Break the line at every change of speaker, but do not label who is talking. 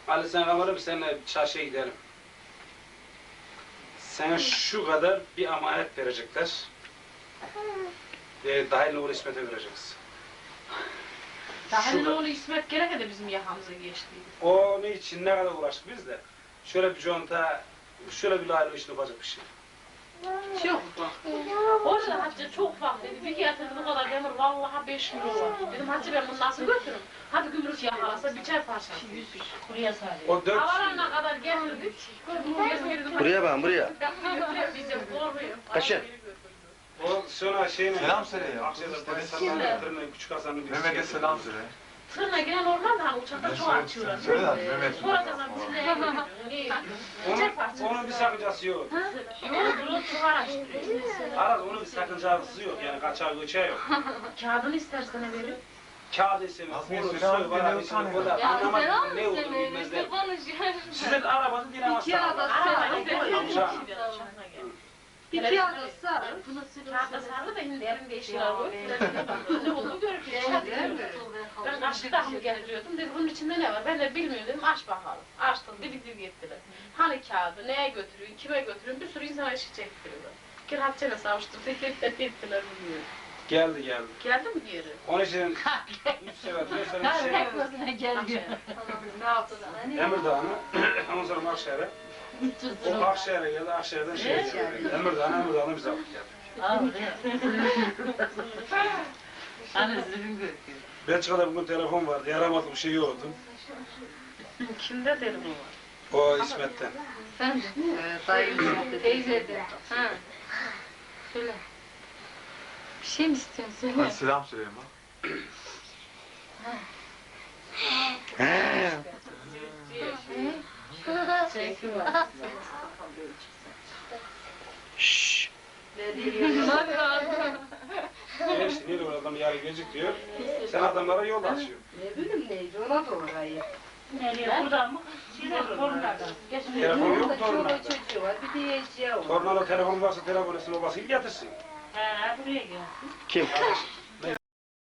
Ali sen kamerım seninle çarşıya gidelim. Sana şu kadar bir emanet verecekler. Dahil oğlu İsmet'e vereceksin.
Dahil oğlu İsmet gerek de bizim yakamıza geçtiydi.
Onun için ne kadar uğraştık biz de. Şöyle bir conta, şöyle bir dahil işini yapacak bir şey.
Çok bak. Orada Hatice çok ufak dedi. Bir getirdi bu kadar demir vallahi 5 kilo var. Dedim Hatice ben bunu nasıl götürürüm? Hadi gümrük yakalasa biçer parça. Buraya sarıyor.
O 4
Havalarına kadar getirdik.
Buraya bak buraya.
Bizim korkuyor.
Kaçın.
O sonra şeyine...
Selam söyle ya.
Akşe'de Baysal'dan getirin, küçük Hasan'ın birisi.
Mehmet'e selam söyle.
Tırna gelen normal de hani uçakta çok açıyorlar.
Söyle lan Mehmet.
Sonra da bizim neye gidiyor? Biçer parça.
Onun bir sakıncası yok.
Yok bunu çok araştırıyor.
Aras onun bir sakıncası yok yani kaçağı göçeği yok.
Kağıdını istersene verin.
Kağıt isemi, kolu, soy, bana bir sürü koda. Anlamadım ne olduğunu bilmezler. Sizin arabanın dinaması var. Amca.
İki arası sarı. Kağıtta sarı da şimdi elimde işler koyup ne olduğunu görüp ben aşk tahmı getiriyordum. Dedi bunun içinde ne var? Ben de bilmiyorum dedim. Aç bakalım. Açtım. Didik gittiler. Hani kağıdı neye götürüyorsun? Kime götürüyorsun? Bir sürü insana işi çektiriyorlar. Kirahatçene savuşturdu. Ettiler bilmiyorum.
Geldi.
Geldi mi geri?
Onun için 3 sefer, 4 sefer bir şey. Emirdağ'ını, ondan sonra Akşehir'e. O Akşehir'e geldi, Akşehir'den şeye geldi. Emirdağ'ını bize alıp geldi. Belçika'da bugün telefon vardı, yaramadı bir şey yoktu.
Kimde telefon var?
O İsmet'ten.
Sen dayım teyzede. Ha. Söyle. Bir şey mi istiyorsun? Söyle.
Hadi selam söyle ama.
Şşş.
İşte bir adam yarı gelecek diyor. Sen adamlara yol açıyorsun.
Ne bileyim neydi ona da orayı.
Nereye? Buradan mı? Torunlardan.
Telefon yok mu
Çoluğu
torunlarda?
çocuğu var bir diyeceği var.
Torunlarla telefon varsa telefon etsin, o basayım getirsin.
He, buraya gel.
Kim?